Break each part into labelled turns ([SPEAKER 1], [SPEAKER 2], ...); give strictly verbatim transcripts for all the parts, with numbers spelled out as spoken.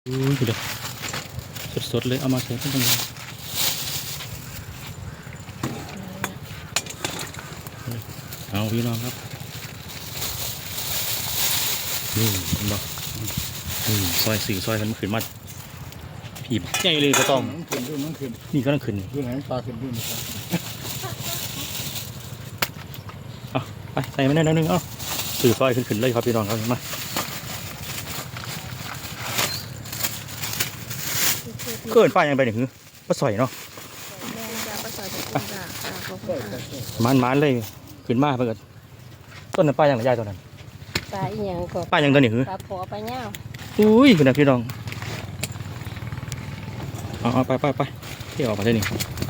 [SPEAKER 1] อุ้ยเดี๋ยวสดๆเลยเอามาใส่ที่ตรงนี้เอาพี่น้องครับนี่เห็นบ่นี่ซอยสื่อซอยกันมันขึ้นมาผีใหญ่เลยก็ต้อง
[SPEAKER 2] มันขึ้นด้วยมันขึ้น
[SPEAKER 1] นี่ก็ต้องขึ้น
[SPEAKER 2] ด้วยไหนปลาขึ้นด้วยนะครับ
[SPEAKER 1] เอาไปใส่มาได้แล้วนึงเอาสื่อซอยขึ้นขึ้นเลยครับพี่น้องครับมาเกินป้ายังไปหนึ่งหือป้าสอยเนาะมันมันเลยขึ้นมาเพื่อนต้นนั้นป้ายังระยะตัวนั้น
[SPEAKER 3] ปลาอีหยังก็
[SPEAKER 1] ป้ายังตัวนี้หือ
[SPEAKER 3] ปลาพอปลาเน่า
[SPEAKER 1] อุ้ยคุณนะพี่น้องเอาเอาไปไปไปที่ออกมาได้หนึ่ง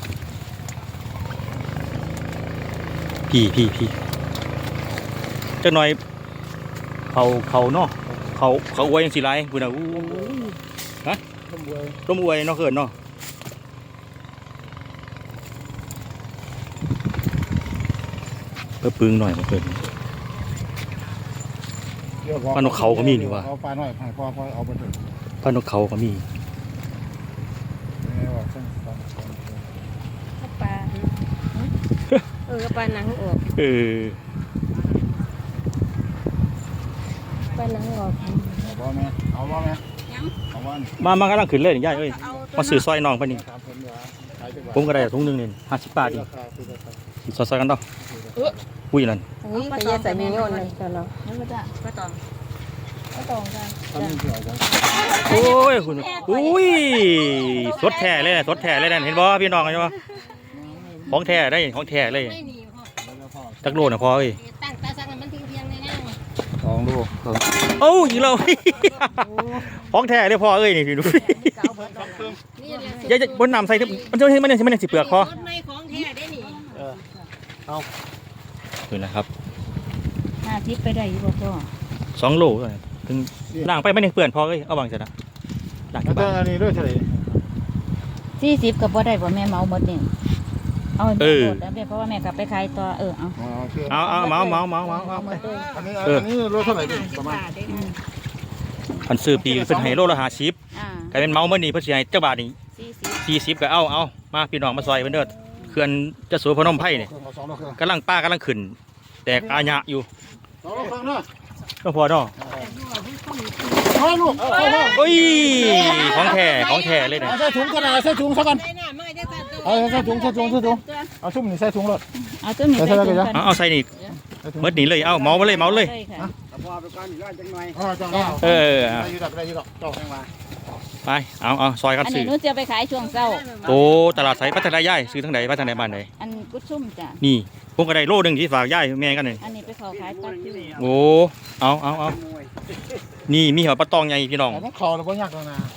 [SPEAKER 1] พี่พี่พี่จักหน่อยเขาเขาเนาะเขาเขาอวยยังสีไรคุณนะอู้ฮะ
[SPEAKER 2] ต้มบวย
[SPEAKER 1] ร่มอวยเนาะเขินเนาะเพิ่มปึงหน่อยมาเขิน ปลานกเขาก็มีนี่วะ
[SPEAKER 2] เอาปลาหน่อยให้พ่อพ่อเอาไปเถอะ
[SPEAKER 1] พานกเขาก็มี
[SPEAKER 2] นี่ว่าเส้นปลา
[SPEAKER 3] ปลาเออปลาหนังออก
[SPEAKER 1] เออ
[SPEAKER 3] ปลาหนังออก
[SPEAKER 2] เอาบ่แม่เอาบ่แม่เอาบ่นี่
[SPEAKER 1] มามากำลังขึ้นเลยนี่ย่าเอ้ยมาซื้อซอยน้องไปนี่
[SPEAKER 2] ตามผมว่าขายจังหวัด
[SPEAKER 1] ผมก็ได้ถุงหนึงนี่ห้าสิบบาทดิ
[SPEAKER 2] ราคาคือราคา
[SPEAKER 1] ซอยซอยกันเนาะอุ้ยนั่น
[SPEAKER 3] นี่ก็จะใส่มีโยนเลยจ้ะเนาะนั่นก็จะปลาตองปลาตองจ้ะ
[SPEAKER 2] ทำนี่เท่าไหร่
[SPEAKER 1] โอ้ยคุณอุ้ยสดแท้เลยนะสดแท้เลยนะเห็นบ่พี่น้องเห็นบ่ของแท้ได้ของแท้เลย
[SPEAKER 3] ไม่หนีพ่อ
[SPEAKER 1] จักโลน่ะพอเอ้ย
[SPEAKER 3] ตั้งตาสั่งมันทิ้งเพียงในนั่ง
[SPEAKER 2] สองลูก
[SPEAKER 1] เอ้าอีกแล้ว ของแท้เลยพอเอ้ยนี่พี่ดู
[SPEAKER 3] นี่แหละ
[SPEAKER 1] อย่าจะบนน้ำใส่ทึบมันจะมันจะมันจะสิเปลือกพอ
[SPEAKER 3] รถไม่ของแท้ได้หนิ
[SPEAKER 1] นี่นะครับ
[SPEAKER 3] หน้าทิพย์ไปได้อยู่บ่พ่อ
[SPEAKER 1] สองโลถึงล้างไปไม่ได้เปื้อนพอเอ้ยเอาวางเสร็จนะล้าง
[SPEAKER 2] แล้ว
[SPEAKER 1] ที่
[SPEAKER 2] ก็
[SPEAKER 1] บ้าน
[SPEAKER 2] อันนี้ด้วยเท่าไหร่
[SPEAKER 3] สี่สิบก็บ่ได้บ่แม่เมาหมดนี่เอา
[SPEAKER 1] เออ
[SPEAKER 3] หมดแล้วเพราะว่าแม่กลับไปขายต่อเออเอา
[SPEAKER 2] อ๋อคือ
[SPEAKER 1] เอาเอาเมาเมาเมาเมาเมา
[SPEAKER 3] หมดเลย
[SPEAKER 2] อันนี้อันนี้รถเท่าไหร่ดิประมาณ
[SPEAKER 1] พันซื้อปีเป็นไฮโลละหาชิป
[SPEAKER 3] อ่าก
[SPEAKER 1] ลายเป็นเมาเมื่อนี้เพื่อสิให้เจ้าบาทนี่
[SPEAKER 3] สี่สิบ
[SPEAKER 1] สี่สิบก็เอาเอามาพี่น้องมาซอยเพิ่นเด้อเขื่อนเจะสูพนมไผ่นี่
[SPEAKER 2] เครื่องเอาสองลูกเครื่อง
[SPEAKER 1] กำลังป้ากำลังขึ้นแตกอาญะอยู่
[SPEAKER 2] สองลูกเครื่องเนาะ
[SPEAKER 1] ก็พอเนาะ
[SPEAKER 2] เอาลูกเอาเอาเอา
[SPEAKER 1] โอ้ยของแท้ของแท้เลยนะ
[SPEAKER 2] เอาใส่ถุงกระดาษใส่ถุงซะก่อน
[SPEAKER 3] ได้น่ะไม่ได้ตัดตัว
[SPEAKER 2] เอาใส่ถุงใส่ถุงใส่ถุงเอาชุ่มนี่ใส่ถุงรถ
[SPEAKER 3] เอาตัวนี้
[SPEAKER 2] ใส่
[SPEAKER 3] ใส่
[SPEAKER 2] ใส่
[SPEAKER 3] ถุง
[SPEAKER 2] ใส่
[SPEAKER 3] กัน
[SPEAKER 1] เอาเอาใส่นี่
[SPEAKER 2] ใส่ถุง
[SPEAKER 1] เมื่อนี้เลยเอาเมามาเลยเมาเลย
[SPEAKER 3] ค่ะ
[SPEAKER 2] อ๋อจ้าเนาะ
[SPEAKER 1] เออ
[SPEAKER 2] ได้
[SPEAKER 1] เอา
[SPEAKER 2] อยู่ดอกได้อยู่ดอกเจ้าแห้งมา
[SPEAKER 1] ไปเอาเอาซอยกัน
[SPEAKER 3] อัน
[SPEAKER 1] ซื้
[SPEAKER 3] นี้
[SPEAKER 1] อ
[SPEAKER 3] หนูจะไปขายช่วงเช้า
[SPEAKER 1] โตตลาดไสพัฒนาย่ายซื้อทางไหนพัฒนาบ้านไหน
[SPEAKER 3] อันกุดซุ่มจ้ะ
[SPEAKER 1] นี่ผมก็ได้โลหนึงที่ฝากย่ายแม่กันนี่
[SPEAKER 3] อันนี้ไปเขาขายตัดอยู่
[SPEAKER 1] โอ้เอาเอาเอานี่มีหัวปลาตองใหญ่พี่น้อง
[SPEAKER 2] แต่ต้องขอแล้วก็ยากแล้วนะ